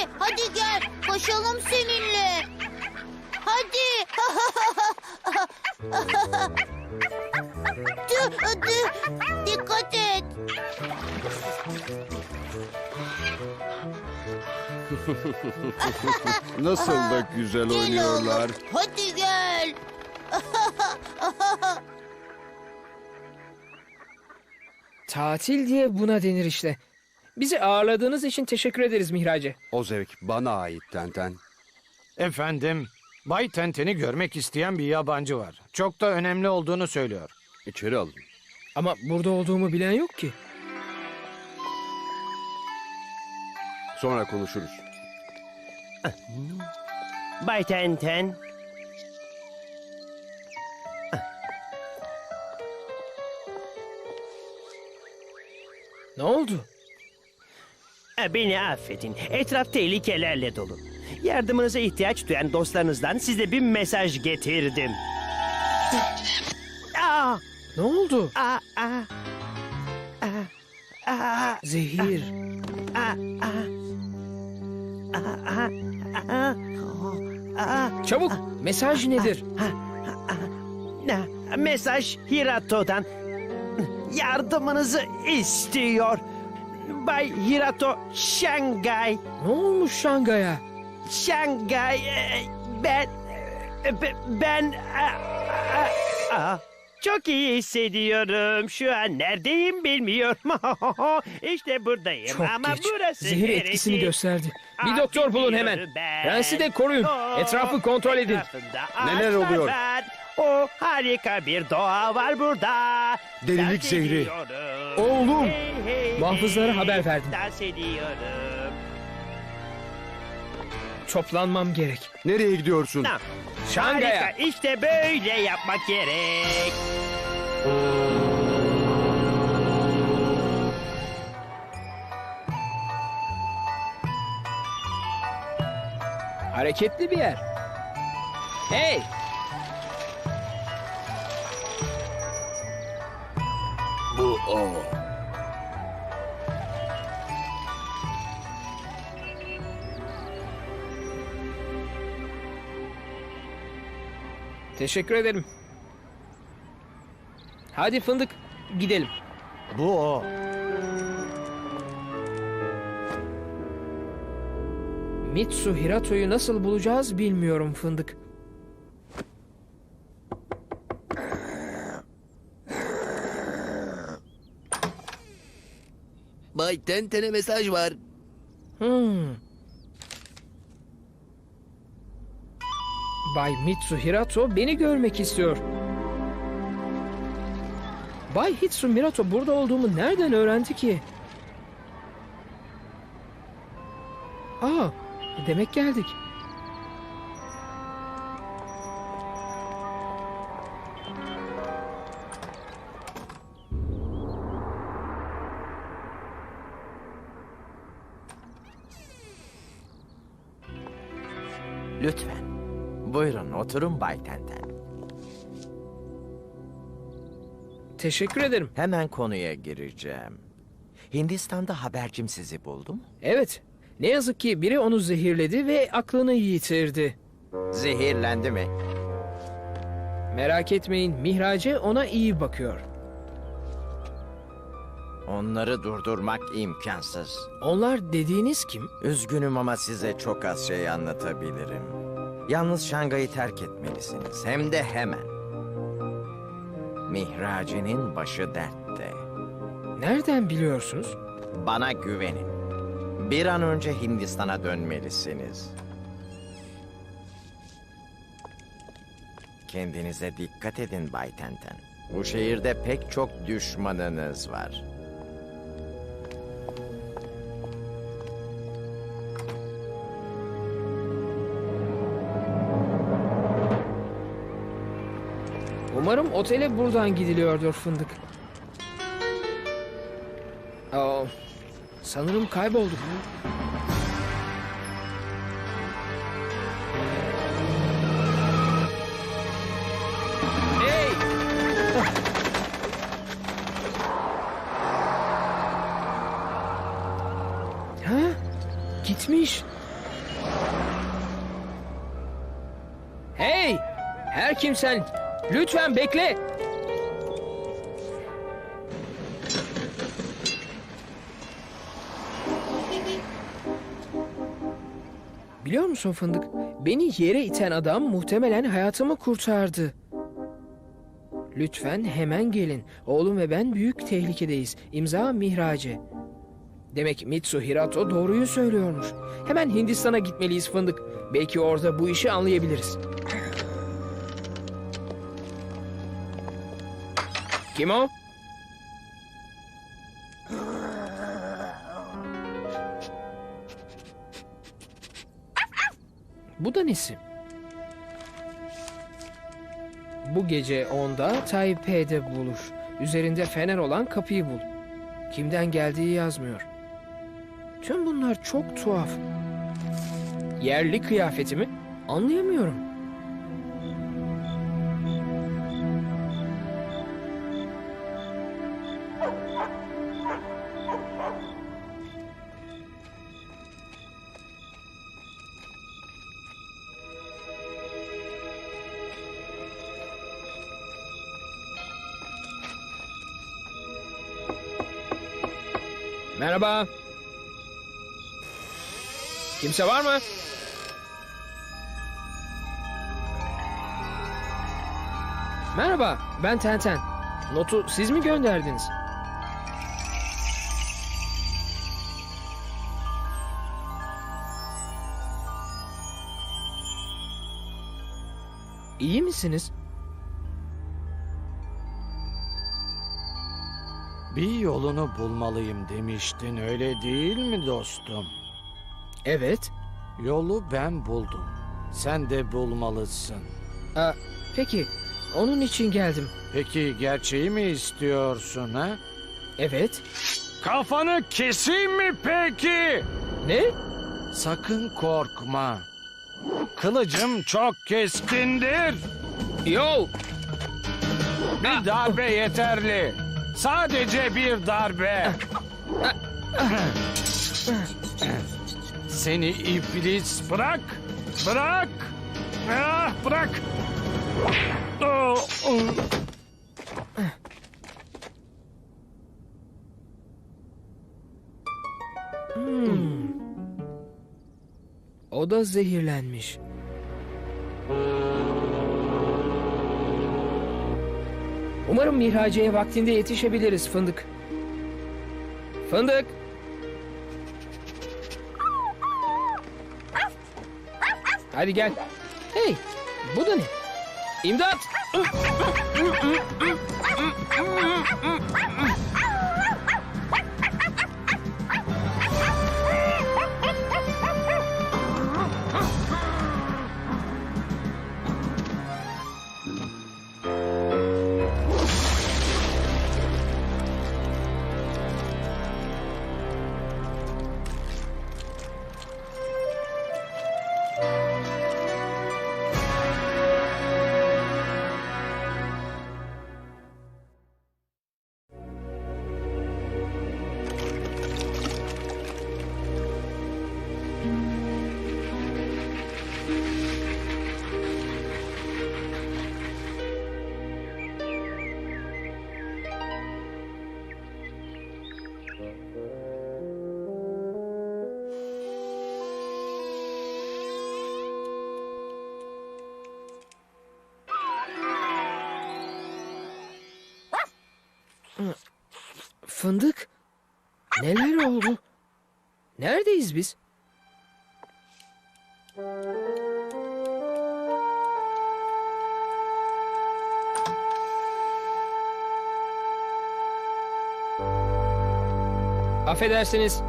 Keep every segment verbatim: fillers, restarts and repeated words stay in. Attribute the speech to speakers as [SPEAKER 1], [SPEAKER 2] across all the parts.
[SPEAKER 1] hadi gel. Koşalım seninle. Hadi. Tüh, tüh. Dikkat et.
[SPEAKER 2] Nasıl da güzel
[SPEAKER 1] Gel
[SPEAKER 2] oynuyorlar.
[SPEAKER 1] oğlum. Hadi gel.
[SPEAKER 3] Tatil diye buna denir işte. Bizi ağırladığınız için teşekkür ederiz Mihrace.
[SPEAKER 2] O zevk bana ait Tenten.
[SPEAKER 4] Efendim, Bay Tenten'i görmek isteyen bir yabancı var. Çok da önemli olduğunu söylüyor.
[SPEAKER 2] İçeri alın.
[SPEAKER 3] Ama burada olduğumu bilen yok ki.
[SPEAKER 2] Sonra konuşuruz.
[SPEAKER 5] Bay Tenten.
[SPEAKER 3] Ne oldu?
[SPEAKER 5] Beni affedin. Etraf tehlikelerle dolu. Yardımınıza ihtiyaç duyan dostlarınızdan size bir mesaj getirdim. Aa,
[SPEAKER 3] Ne oldu?
[SPEAKER 5] aa, aa, aa, aa,
[SPEAKER 3] Zehir.
[SPEAKER 5] aa, aa, aa, aa.
[SPEAKER 3] Çabuk, mesaj nedir?
[SPEAKER 5] Ne? Mesaj Hirato'dan. Yardımınızı istiyor. Bay Hirato, Şangay.
[SPEAKER 3] Ne olmuş Şangay'a?
[SPEAKER 5] Şangay, e, ben, e, be- ben, a- a- a- çok iyi hissediyorum. Şu an neredeyim bilmiyorum. İşte buradayım
[SPEAKER 3] Çok
[SPEAKER 5] ama
[SPEAKER 3] geç.
[SPEAKER 5] burası
[SPEAKER 3] Zehir
[SPEAKER 5] neresi?
[SPEAKER 3] etkisini gösterdi. Bir
[SPEAKER 5] Ah,
[SPEAKER 3] doktor bulun hemen.
[SPEAKER 5] bilmiyorum ben.
[SPEAKER 3] Prensi de koruyun.
[SPEAKER 5] O
[SPEAKER 3] Etrafı kontrol edin.
[SPEAKER 5] etrafında
[SPEAKER 2] Neler
[SPEAKER 5] ağaçlar
[SPEAKER 2] oluyor?
[SPEAKER 5] var. O harika bir doğa var burada.
[SPEAKER 2] Delilik
[SPEAKER 5] Dans
[SPEAKER 2] zehri.
[SPEAKER 5] ediyorum.
[SPEAKER 3] Oğlum,
[SPEAKER 5] Hey, hey,
[SPEAKER 3] muhafızlara
[SPEAKER 5] hey,
[SPEAKER 3] haber verdim.
[SPEAKER 5] Dans ediyorum.
[SPEAKER 3] Toplanmam gerek.
[SPEAKER 2] Nereye gidiyorsun?
[SPEAKER 5] Tamam.
[SPEAKER 3] Şangay'a.
[SPEAKER 5] Harika, işte böyle yapmak gerek.
[SPEAKER 3] Hareketli bir yer. Hey!
[SPEAKER 2] Bu o.
[SPEAKER 3] Teşekkür ederim. Hadi fındık, gidelim.
[SPEAKER 4] Bu o.
[SPEAKER 3] Mitsu Hirato'yu nasıl bulacağız bilmiyorum fındık.
[SPEAKER 6] Bay Tenten'e mesaj var.
[SPEAKER 3] Hmm. Bay Mitsu Hirato beni görmek istiyor. Bay Hitsu Mirato burada olduğumu nereden öğrendi ki? Aa, demek geldik.
[SPEAKER 7] Lütfen. Buyurun oturun Bay Tenten.
[SPEAKER 3] Teşekkür ederim.
[SPEAKER 7] Hemen konuya gireceğim. Hindistan'da habercim sizi buldu mu?
[SPEAKER 3] Evet, ne yazık ki biri onu zehirledi ve aklını yitirdi.
[SPEAKER 7] Zehirlendi mi?
[SPEAKER 3] Merak etmeyin, Mihrace ona iyi bakıyor.
[SPEAKER 7] Onları durdurmak imkansız.
[SPEAKER 3] Onlar dediğiniz kim?
[SPEAKER 7] Üzgünüm ama size çok az şey anlatabilirim. Yalnız Şangay'ı terk etmelisiniz. Hem de hemen. Mihrace'nin başı dertte.
[SPEAKER 3] Nereden biliyorsunuz?
[SPEAKER 7] Bana güvenin. Bir an önce Hindistan'a dönmelisiniz. Kendinize dikkat edin Bay Tenten. Bu şehirde pek çok düşmanınız var.
[SPEAKER 3] Umarım otele buradan gidiliyordur fındık. Aa, sanırım kaybolduk. Hey! Ha? Gitmiş. kim sen? Lütfen bekle. Biliyor musun Fındık? Beni yere iten adam muhtemelen hayatımı kurtardı. Lütfen hemen gelin. Oğlum ve ben büyük tehlikedeyiz. İmza Mihrace. Demek Mitsu Hirato doğruyu söylüyormuş. Hemen Hindistan'a gitmeliyiz Fındık. Belki orada bu işi anlayabiliriz. Kim o? Bu da nesi? Bu gece onda Taipei'de bulur. Üzerinde fener olan kapıyı bul. Kimden geldiği yazmıyor. Tüm bunlar çok tuhaf. Yerli kıyafeti mi? Anlayamıyorum. Merhaba. Kimse var mı? Merhaba, ben Tenten. Notu siz mi gönderdiniz? İyi misiniz?
[SPEAKER 4] Bir yolunu bulmalıyım demiştin, öyle değil mi dostum?
[SPEAKER 3] Evet.
[SPEAKER 4] Yolu ben buldum. Sen de bulmalısın.
[SPEAKER 3] Aa, peki, onun için geldim.
[SPEAKER 4] Peki gerçeği mi istiyorsun ha?
[SPEAKER 3] Evet.
[SPEAKER 4] Kafanı keseyim mi peki?
[SPEAKER 3] Ne?
[SPEAKER 4] Sakın korkma. Kılıcım çok keskindir.
[SPEAKER 3] Yo!
[SPEAKER 4] Bir darbe yeterli. Sadece bir darbe. Seni iblis, bırak. Bırak. Ah, bırak. Oh, oh.
[SPEAKER 3] Hmm. O da zehirlenmiş. Umarım Mihrace'ye vaktinde yetişebiliriz Fındık. Fındık! Hadi gel. Hey, bu da ne? İmdat! Fındık, neler oldu? Neredeyiz biz? Affedersiniz.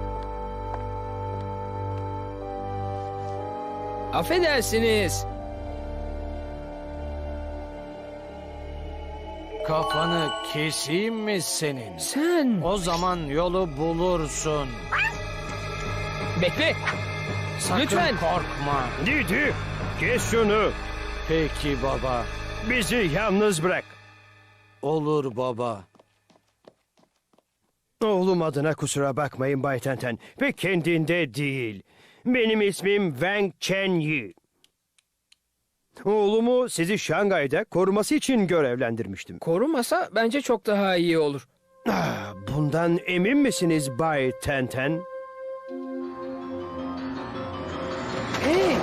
[SPEAKER 3] Affedersiniz.
[SPEAKER 4] Kafanı keseyim mi senin?
[SPEAKER 3] Sen...
[SPEAKER 4] O zaman yolu bulursun.
[SPEAKER 3] Bekle.
[SPEAKER 4] Sakın
[SPEAKER 3] Lütfen.
[SPEAKER 4] korkma.
[SPEAKER 5] Didi, kes şunu.
[SPEAKER 4] Peki baba.
[SPEAKER 5] Bizi yalnız bırak.
[SPEAKER 4] Olur baba.
[SPEAKER 5] Oğlum adına kusura bakmayın Bay Tenten. Pek kendinde değil. Benim ismim Wang Chenyi. Oğlumu sizi Şangay'da koruması için görevlendirmiştim.
[SPEAKER 3] Korumasa bence çok daha iyi olur.
[SPEAKER 5] Ah, bundan emin misiniz Bay Tenten?
[SPEAKER 3] Hey!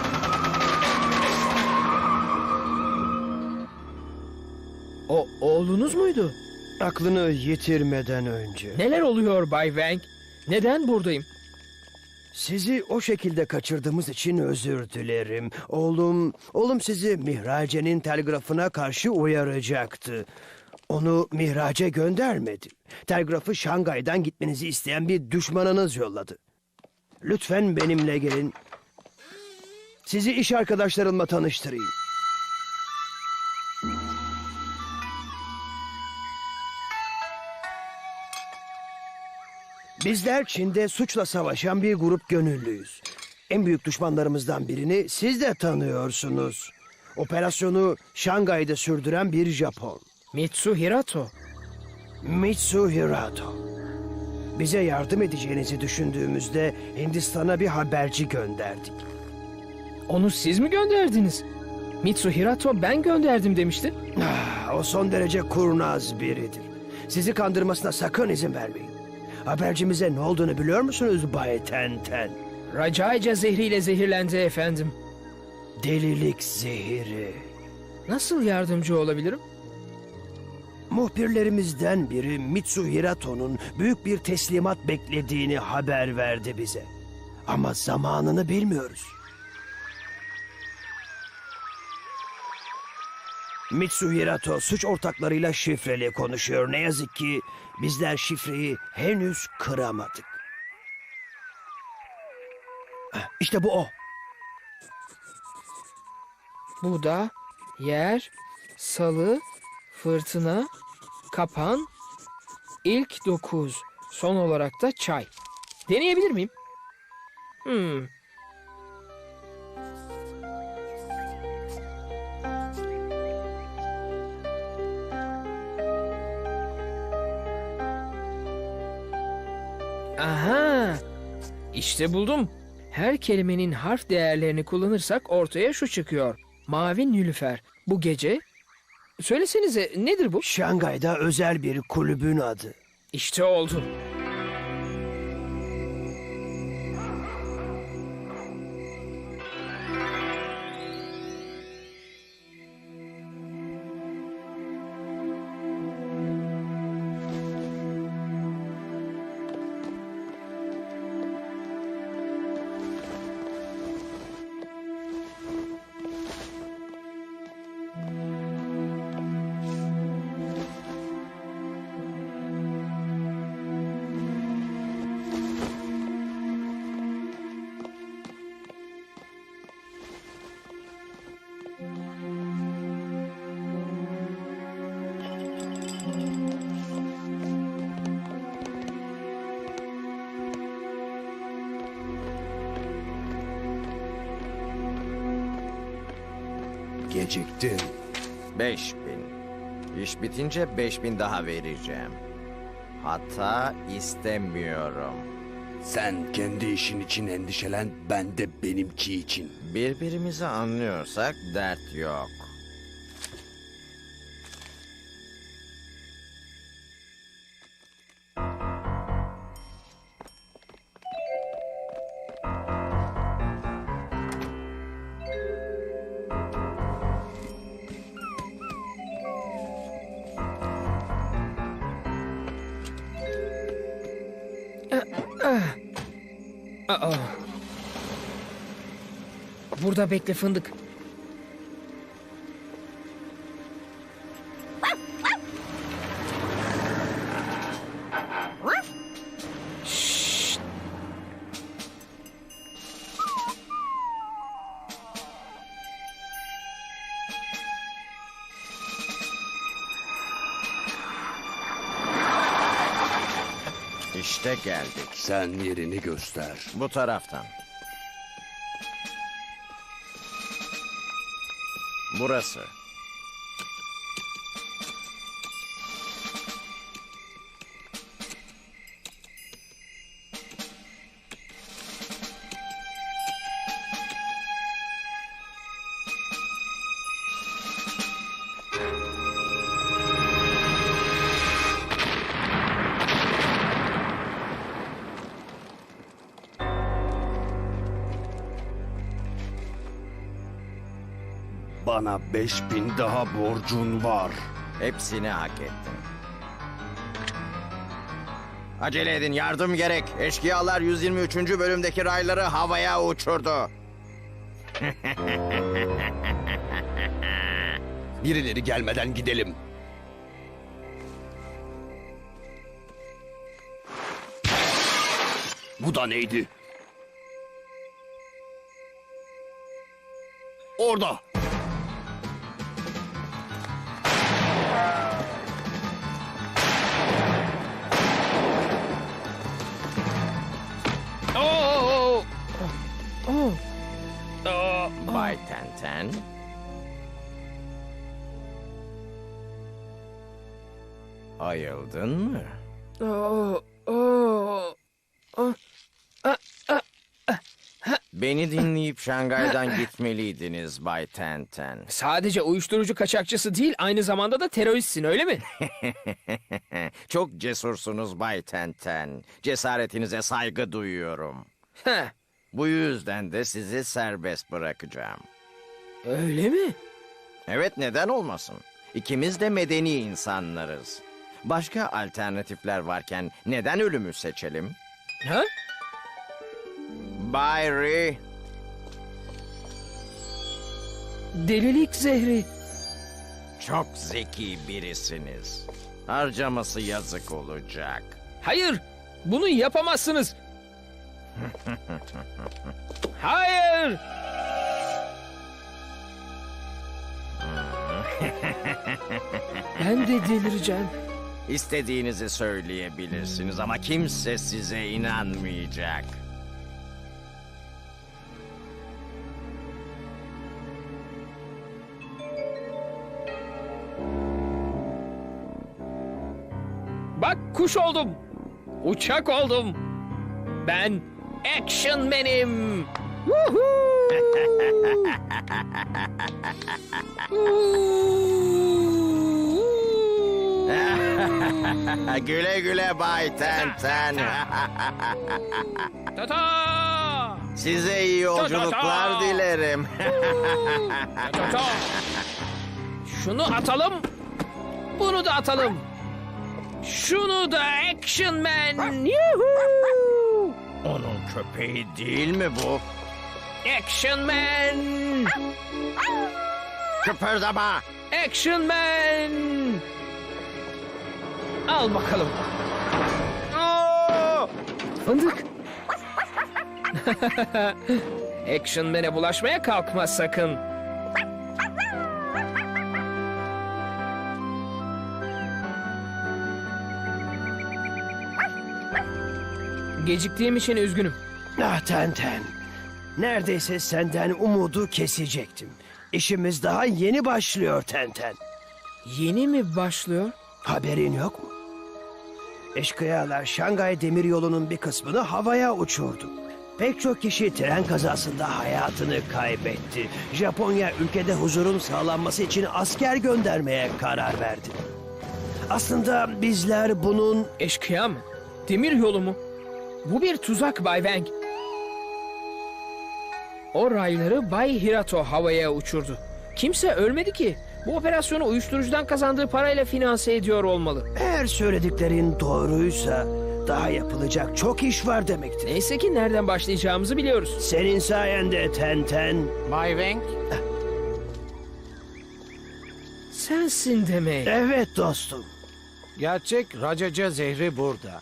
[SPEAKER 3] O oğlunuz muydu?
[SPEAKER 5] Aklını yitirmeden önce.
[SPEAKER 3] Neler oluyor Bay Wang? Neden buradayım?
[SPEAKER 5] Sizi o şekilde kaçırdığımız için özür dilerim. Oğlum, oğlum sizi Mihrace'nin telgrafına karşı uyaracaktı. Onu Mihrace göndermedi. Telgrafı Şangay'dan gitmenizi isteyen bir düşmanınız yolladı. Lütfen benimle gelin. Sizi iş arkadaşlarımla tanıştırayım. Bizler Çin'de suçla savaşan bir grup gönüllüyüz. En büyük düşmanlarımızdan birini siz de tanıyorsunuz. Operasyonu Şangay'da sürdüren bir Japon.
[SPEAKER 3] Mitsu Hirato.
[SPEAKER 5] Mitsu Hirato. Bize yardım edeceğinizi düşündüğümüzde Hindistan'a bir haberci gönderdik.
[SPEAKER 3] Onu siz mi gönderdiniz? Mitsu Hirato ben gönderdim demişti.
[SPEAKER 5] Ah, o son derece kurnaz biridir. Sizi kandırmasına sakın izin vermeyin. Habercimize ne olduğunu biliyor musunuz Bay Tenten?
[SPEAKER 3] Racaica zehriyle zehirlendi efendim.
[SPEAKER 5] Delilik zehiri.
[SPEAKER 3] Nasıl yardımcı olabilirim?
[SPEAKER 5] Muhbirlerimizden biri Mitsu Hirato'nun büyük bir teslimat beklediğini haber verdi bize. Ama zamanını bilmiyoruz. Mitsu Hirato suç ortaklarıyla şifreli konuşuyor. Ne yazık ki bizler şifreyi henüz kıramadık. Heh, İşte bu o.
[SPEAKER 3] Bu da yer, salı, fırtına, kapan, ilk dokuz, son olarak da çay. Deneyebilir miyim? Hmm. Aha! İşte buldum. Her kelimenin harf değerlerini kullanırsak ortaya şu çıkıyor. Mavi nilüfer. Bu gece... Söylesenize nedir bu?
[SPEAKER 5] Şangay'da özel bir kulübün adı.
[SPEAKER 3] İşte oldu.
[SPEAKER 2] Geciktin.
[SPEAKER 7] Beş bin. İş bitince beş bin daha vereceğim. Hatta istemiyorum.
[SPEAKER 2] Sen kendi işin için endişelen, ben de benimki için.
[SPEAKER 7] Birbirimizi anlıyorsak dert yok.
[SPEAKER 3] Aa. Burada bekle fındık. Şşt.
[SPEAKER 7] İşte geldik.
[SPEAKER 2] Sen yerini göster.
[SPEAKER 7] Bu taraftan. Burası.
[SPEAKER 2] Bana beş bin daha borcun var.
[SPEAKER 7] Hepsini hak ettin. Acele edin, yardım gerek. Eşkıyalar yüz yirmi üçüncü bölümdeki rayları havaya uçurdu.
[SPEAKER 2] Birileri gelmeden gidelim. Bu da neydi? Orada.
[SPEAKER 3] Oo! Oo! Oo!
[SPEAKER 7] Bay Tenten. Ayıldın mı?
[SPEAKER 3] Oo! Oo!
[SPEAKER 7] Beni dinleyip Şangay'dan gitmeliydiniz Bay Tenten.
[SPEAKER 3] Sadece uyuşturucu kaçakçısı değil, aynı zamanda da teröristsin, öyle mi?
[SPEAKER 7] Çok cesursunuz Bay Tenten. Cesaretinize saygı duyuyorum.
[SPEAKER 3] Heh,
[SPEAKER 7] Bu yüzden de sizi serbest bırakacağım.
[SPEAKER 3] öyle mi?
[SPEAKER 7] Evet, neden olmasın? İkimiz de medeni insanlarız. Başka alternatifler varken neden ölümü seçelim?
[SPEAKER 3] Ha?
[SPEAKER 7] Bay Ree,
[SPEAKER 3] Delilik zehri.
[SPEAKER 7] çok zeki birisiniz. Harcaması yazık olacak.
[SPEAKER 3] Hayır, bunu yapamazsınız. Hayır. Ben de delireceğim.
[SPEAKER 7] İstediğinizi söyleyebilirsiniz ama kimse size inanmayacak.
[SPEAKER 3] Bak, kuş oldum. Uçak oldum. Ben Action Man'im.
[SPEAKER 7] Güle güle Bay Tenten.
[SPEAKER 3] Ta-ta!
[SPEAKER 7] Size iyi yolculuklar dilerim.
[SPEAKER 3] Ta-ta! Şunu atalım. Bunu da atalım. Şunu da Action Man. Yuhuu!
[SPEAKER 7] Onun köpeği değil mi bu?
[SPEAKER 3] Action Man.
[SPEAKER 7] Kıpırdama.
[SPEAKER 3] Action Man. Al bakalım. Aa! Fındık. Action Man'e bulaşmaya kalkma sakın. Geciktiğim için üzgünüm.
[SPEAKER 5] Ah Tenten. Neredeyse senden umudu kesecektim. İşimiz daha yeni başlıyor Tenten.
[SPEAKER 3] Yeni mi başlıyor?
[SPEAKER 5] Haberin yok mu? Eşkıyalar Şangay Demiryolu'nun bir kısmını havaya uçurdu. Pek çok kişi tren kazasında hayatını kaybetti. Japonya ülkede huzurun sağlanması için asker göndermeye karar verdi. Aslında bizler bunun...
[SPEAKER 3] Eşkıya mı? Demir yolu mu? Bu bir tuzak Bay Wang. O rayları Bay Hirato havaya uçurdu. Kimse ölmedi ki. Bu operasyonu uyuşturucudan kazandığı parayla finanse ediyor olmalı.
[SPEAKER 5] Eğer söylediklerin doğruysa daha yapılacak çok iş var demektir.
[SPEAKER 3] Neyse ki nereden başlayacağımızı biliyoruz.
[SPEAKER 5] Senin sayende Tenten.
[SPEAKER 4] Bay Wang,
[SPEAKER 3] Sensin demek.
[SPEAKER 5] Evet dostum.
[SPEAKER 4] gerçek racaca zehri burada.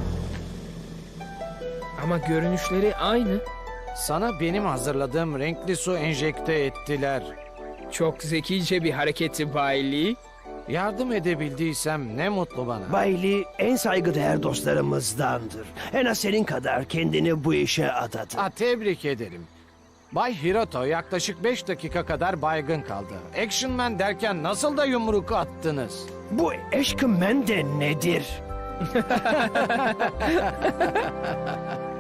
[SPEAKER 3] Ama görünüşleri aynı.
[SPEAKER 4] Sana benim hazırladığım renkli su enjekte ettiler.
[SPEAKER 3] Çok zekice bir hareketti Bay Lee.
[SPEAKER 4] Yardım edebildiysem ne mutlu bana.
[SPEAKER 5] Bay Lee en saygıdeğer dostlarımızdandır. En az senin kadar kendini bu işe adadı.
[SPEAKER 4] Ha, tebrik ederim. Bay Hirato yaklaşık beş dakika kadar baygın kaldı. Action Man derken nasıl da yumruk attınız?
[SPEAKER 5] Bu Action Man de nedir?